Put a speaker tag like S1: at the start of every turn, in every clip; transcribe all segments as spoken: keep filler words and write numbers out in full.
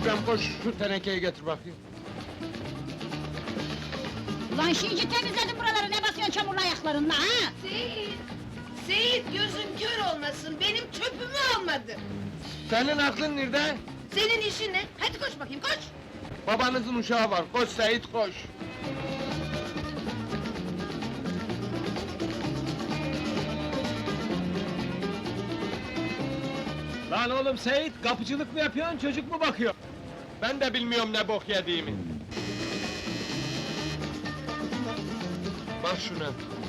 S1: İbrahim koş, şu tenekeyi getir bakayım.
S2: Ulan şimdi temizledim buraları, ne basıyorsun çamurlu ayaklarınla ha?
S3: Seyit! Seyit gözün kör olmasın, benim çöpümü almadı!
S1: Senin aklın nerede?
S3: Senin işin ne? Hadi koş bakayım, koş!
S1: Babanızın uşağı var, koş Seyit koş!
S4: Lan oğlum Seyit, kapıcılık mı yapıyorsun, çocuk mu bakıyor?
S1: Ben de bilmiyorum ne bok yediğimi. Bak şuna.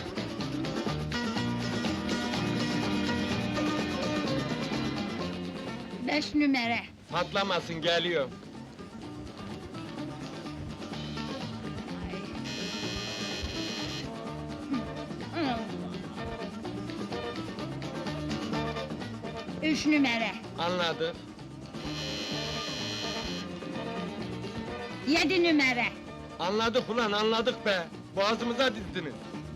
S2: Beş numara.
S1: Patlamasın, geliyor.
S2: Üç numara.
S1: Anladık.
S2: Yedi numara.
S1: Anladık ulan, anladık be! Boğazımıza dizdiniz.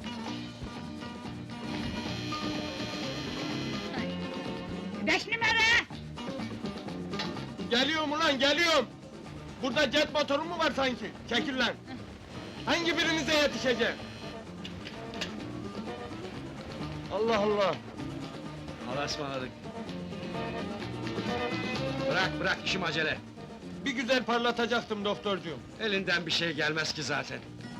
S2: Beş numara.
S1: Geliyorum ulan, geliyorum! Burada jet motoru mu var sanki? Çekil lan! Hangi birinize yetişeceğim? Allah Allah!
S4: Allah'a ısmarladık. Bırak, bırak, işim acele.
S1: Bir güzel parlatacaktım doktorcuğum.
S4: Elinden bir şey gelmez ki zaten.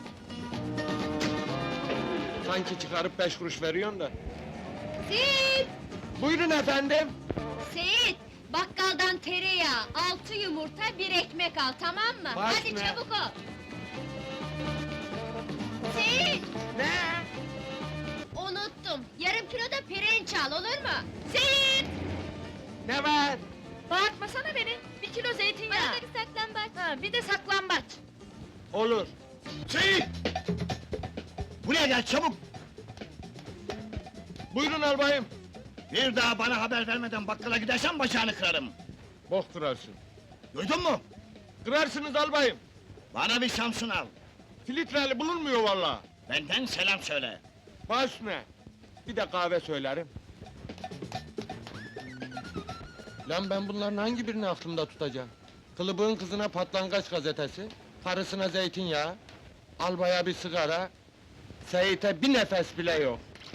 S1: Sanki çıkarıp beş kuruş veriyorsun da.
S3: Seyit!
S1: Buyurun efendim!
S5: Seyit, bakkaldan tereyağı, altı yumurta, bir ekmek al, tamam mı?
S1: Baş
S5: Hadi
S1: ne?
S5: çabuk ol! Seyit,
S1: Ne?
S5: unuttum, yarım kilo da pirinç al, olur mu? Seyit!
S1: Ne var?
S5: Bağırtmasana beni, bir kilo zeytinyağı! Bana da bir saklambaç! Ha, bir de saklambaç!
S1: Olur.
S4: Seyit! Buraya gel, çabuk!
S1: Buyurun albayım.
S4: Bir daha bana haber vermeden bakkala gidersen bacağını kırarım!
S1: Bok kırarsın.
S4: Duydun mu?
S1: Kırarsınız albayım.
S4: Bana bir Samsun al!
S1: Filtreli bulunmuyor vallahi.
S4: Benden selam söyle!
S1: Baş ne? Bir de kahve söylerim. Lan ben bunların hangi birini aklımda tutacağım? Kılıbığın kızına patlangaç gazetesi, karısına zeytinyağı, albaya bir sigara, Seyit'e bir nefes bile yok.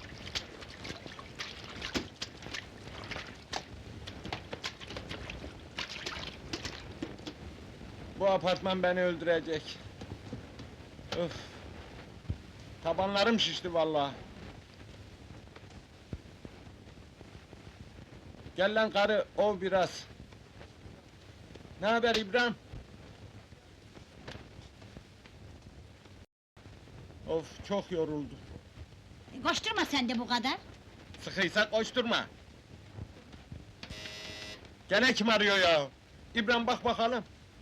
S1: Bu apartman beni öldürecek. Öf! Tabanlarım şişti vallahi. Gel lan karı, ov biraz. Ne haber İbrahim? Of, çok yoruldu.
S2: E, Koşturma sen de bu kadar.
S1: Sıkıysa koşturma. Gene kim arıyor ya? İbrahim bak bakalım.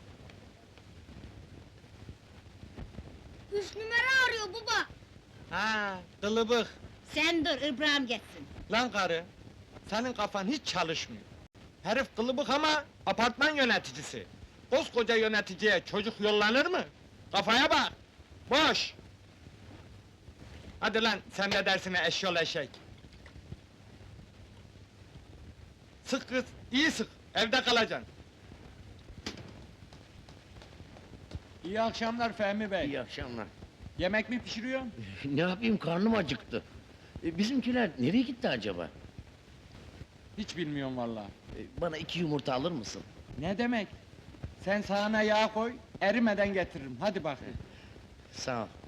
S5: Üç numara arıyor baba!
S1: Ha, kılıbık.
S2: Sen dur, İbrahim geçsin.
S1: Lan karı, senin kafan hiç çalışmıyor. Herif kılıbık ama apartman yöneticisi. Koskoca yöneticiye çocuk yollanır mı? Kafaya bak! Boş! Hadi lan, sen ne dersine eşyol eşek! Sık kız, iyi sık, evde kalacaksın.
S6: İyi akşamlar Fehmi Bey.
S7: İyi akşamlar.
S6: Yemek mi pişiriyorsun?
S7: Ne yapayım, karnım acıktı. E, bizimkiler nereye gitti acaba?
S6: Hiç bilmiyorum vallahi.
S7: E, bana iki yumurta alır mısın?
S6: Ne demek? Sen sahana yağ koy, erimeden getiririm. Hadi bakayım.
S7: Sağ ol.